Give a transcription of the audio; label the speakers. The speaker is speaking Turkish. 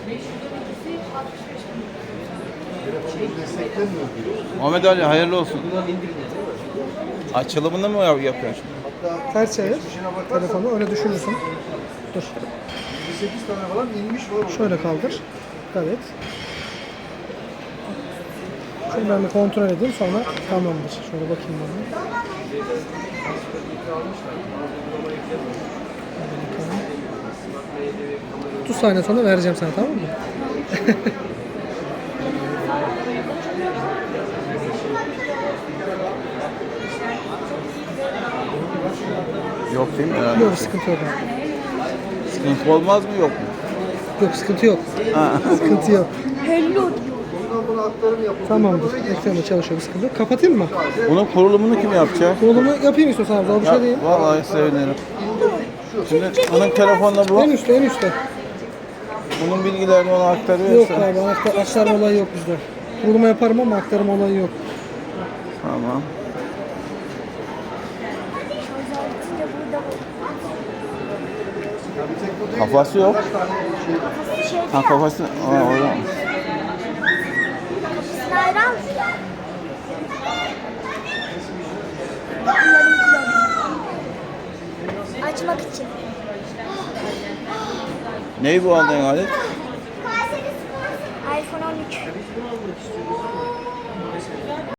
Speaker 1: Muhammed Ali hayırlı olsun. Açılımını mı yapıyorsun?
Speaker 2: Ters çevir telefonu, öyle düşürürsün. Dur.
Speaker 3: 8 tane falan inmiş var.
Speaker 2: Şöyle kaldır. Evet. Şunu ben bir kontrol edeyim, sonra tamamdır. Şöyle bakayım bana. 30 saniye sonra vereceğim sana, tamam mı?
Speaker 1: Yok değil mi? Herhalde.
Speaker 2: Yok, sıkıntı yok abi.
Speaker 1: Sıkıntı olmaz mı yok mu?
Speaker 2: Yok, sıkıntı yok.
Speaker 1: Ha.
Speaker 2: Sıkıntı yok.
Speaker 3: Bundan buna aktarım yapıldı.
Speaker 2: Tamamdır. Ekranı çalışıyor, sıkıntı yok. Kapatayım mı?
Speaker 1: Bunun kurulumunu kim yapacak?
Speaker 2: Kurulumu yapayım istiyorsan abi, zor bir şey değil.
Speaker 1: Vallahi sevinirim. Şimdi onun telefonla bu.
Speaker 2: En üstte, en üstte.
Speaker 1: Bunun bilgilerini ona
Speaker 2: Yok
Speaker 1: aktarıyorsa.
Speaker 2: abi, aktarma olayı yok bizde. Kuruluma yaparım ama aktarma olayı yok.
Speaker 1: Tamam. Kafası yok. Ha kafası. Aa, orada.
Speaker 4: Bayram. Açmak için.
Speaker 1: Neyi bu aldığın alet?
Speaker 4: iPhone 13.